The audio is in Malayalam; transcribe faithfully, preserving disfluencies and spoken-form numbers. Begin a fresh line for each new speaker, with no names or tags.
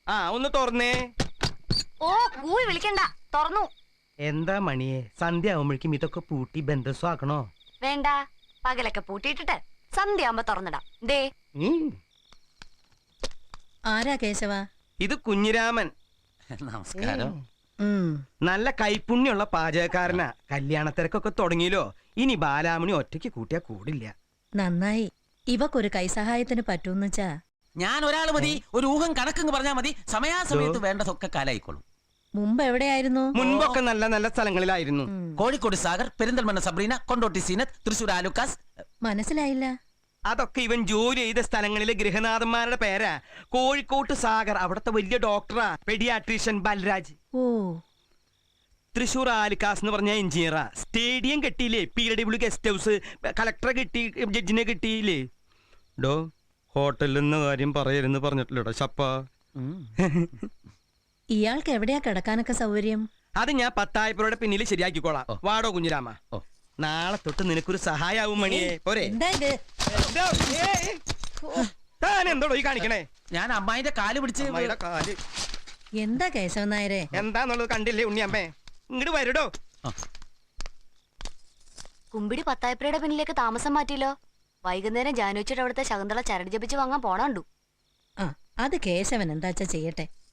ആ ഒന്ന് തുറന്നേ.
ഓ കൂവി വിളിക്കണ്ട, തുറന്നു.
എന്താ മണിയെ, സന്ധ്യ ആവുമ്പോഴേക്കും ഇതൊക്കെ പൂട്ടി ബന്ധസ്വാക്കണോ?
വേണ്ട, പകലൊക്കെ പൂട്ടിയിട്ടിട്ട് സന്ധ്യ ആവുമ്പോ തുറന്നിടാം. ദേ
ആരാ കേശവ?
ഇത് കുഞ്ഞിരാമൻ.
നമസ്കാരം.
നല്ല കൈപ്പുണ്യുള്ള പാചകക്കാരനാ. കല്യാണത്തിരക്കൊക്കെ തുടങ്ങിയല്ലോ. ഇനി ബാലാമണി ഒറ്റയ്ക്ക് കൂട്ടിയാ കൂടില്ല.
നന്നായി. ഇവക്കൊരു കൈസഹായത്തിന് പറ്റൂന്ന് വെച്ചാ
ഞാൻ ഒരാൾ മതി. ഒരു ഊഹം കണക്കെന്ന് പറഞ്ഞാ മതി. സമയാസമയത്ത് വേണ്ടതൊക്കെ കാലായിക്കോളും.
മുമ്പ് എവിടെയായിരുന്നു?
മുൻപൊക്കെ നല്ല നല്ല സ്ഥലങ്ങളിലായിരുന്നു.
കോഴിക്കോട് സാഗർ, പെരിന്തൽമണ്ണ സബ്രീന, കൊണ്ടോട്ടി സീനത്ത്, തൃശൂർ ആലുക്കാസ്.
മനസ്സിലായില്ല.
അതൊക്കെ ഇവൻ ജോലി ചെയ്ത സ്ഥലങ്ങളിലെ ഗൃഹനാഥന്മാരുടെ പേരാ. കോഴിക്കോട്ട് സാഗർ, അവിടത്തെ വലിയ ഡോക്ടറാ, പെഡിയാട്രീഷ്യൻ ബൽരാജ്.
ഓ.
തൃശൂർ ആലിക്കാസ് എന്ന് പറഞ്ഞ എഞ്ചിനീയറാ. സ്റ്റേഡിയം കെട്ടിയില്ലേ, പി ഡബ്ല്യു ഗസ്റ്റ് ഹൗസ്. കളക്ടറെ കിട്ടി, ജഡ്ജിനെ കിട്ടിയില്ലേ. ഡോ ഹോട്ടലിൽ നിന്ന് കാര്യം പറയരുന്ന് പറഞ്ഞിട്ടില്ലടോ ചപ്പ.
ഇയാൾക്ക് എവിടെയാ കിടക്കാനൊക്കെ സൗകര്യം?
അത് ഞാൻ പത്തായപ്പുറയുടെ പിന്നിൽ ശരിയാക്കിക്കോളാം. വാടോ കുഞ്ഞിരാമ. നാളെ തൊട്ട് നിനക്കൊരു സഹായാവും മണിയെ. പോരെ? താൻ എന്തോടോ ഈ കാണിക്കണേ?
ഞാൻ അമ്മായിന്റെ കാല് പിടിച്ച്.
കാല്
എന്താ കേശവൻ നായരെ?
എന്താന്നുള്ളത് കണ്ടില്ലേ ഉണ്ണിയമ്മേ? ഇങ്ങോട്ട് വരടോ.
കുമ്പിടി പത്തായപ്പുരയുടെ പിന്നിലേക്ക് താമസം മാറ്റിയല്ലോ. വൈകുന്നേരം ജാനുവച്ചിട്ട് അവിടുത്തെ ശകുന്തള ചരട് ജപിച്ച് വാങ്ങാൻ പോണുണ്ടു.
ആ, അത് കേശവൻ എന്താച്ചാ ചെയ്യട്ടെ.